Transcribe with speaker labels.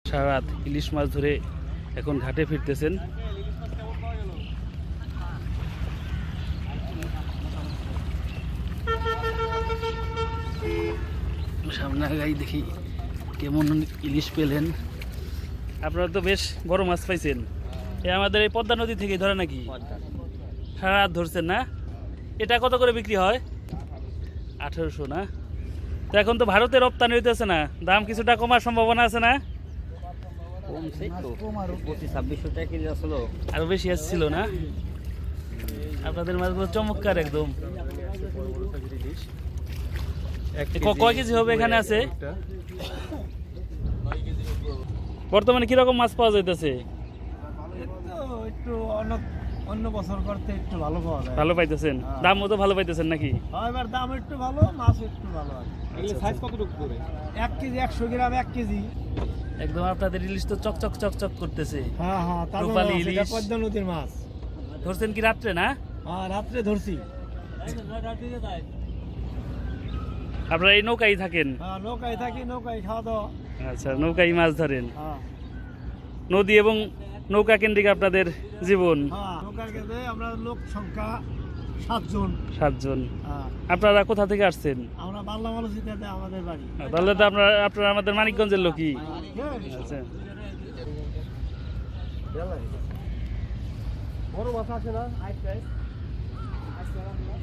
Speaker 1: সারা রাত ইলিশ মাছ ধরে এখন ঘাটে ফিরতেছেন। সামনে আগাই দেখি কেমন ইলিশ পেলেন। আপনারা তো বেশ বড় মাছ পাইছেন। আমাদের এই পদ্মা নদী থেকে ধরে নাকি সারা রাত ধরছেন না? এটা কত করে বিক্রি হয়? 1800 না? তো এখন তো ভারতে রপ্তানি হইতেছে না, দাম কিছুটা কমার সম্ভাবনা আছে না? আরো বেশি আসছিল না? আপনাদের মাছগুলো চমৎকার একদম। কয় কেজি হবে এখানে আছে? বর্তমানে কিরকম মাছ পাওয়া যাইতেছে?
Speaker 2: একটু অন্য বছর করতে একটু ভালো পাওয়া যায়।
Speaker 1: ভালো পাইতেছেন? দাম মতো ভালো পাইতেছেন নাকি?
Speaker 2: এবার দাম একটু ভালো, মাছ একটু ভালো আছে। এগুলো সাইজ কতটুকু করে? 1 কেজি 100 গ্রাম 1 কেজি।
Speaker 1: একদম আপনাদের ইলিশ তো চকচক চকচক করতেছে।
Speaker 2: হ্যাঁ হ্যাঁ,
Speaker 1: রূপালী ইলিশ।
Speaker 2: এটা পদ্মা নদীর মাছ।
Speaker 1: ধরছেন কি রাত্রে না?
Speaker 2: হ্যাঁ, রাত্রে ধরছি।
Speaker 1: আপনারা এই নৌকায় থাকেন?
Speaker 2: হ্যাঁ, নৌকায় থাকি, নৌকায় খাওয়া দাওয়া।
Speaker 1: আচ্ছা, নৌকায় মাছ ধরেন।
Speaker 2: হ্যাঁ
Speaker 1: নদী এবং নৌকা কেন্দ্রিক আপনাদের জীবন।
Speaker 2: হ্যাঁ, নৌকার কাছে আমরা লোক সংখ্যা 7 জন।
Speaker 1: 7 জন।
Speaker 2: হ্যাঁ,
Speaker 1: আপনারা কোথা থেকে আসছেন?
Speaker 2: আমরা বাংলা মালসিতে আমাদের বাড়ি।
Speaker 1: তাহলে তো আপনারা আমাদের মানিকগঞ্জের লোকই। আচ্ছা,
Speaker 2: বড় মাছ আছে না?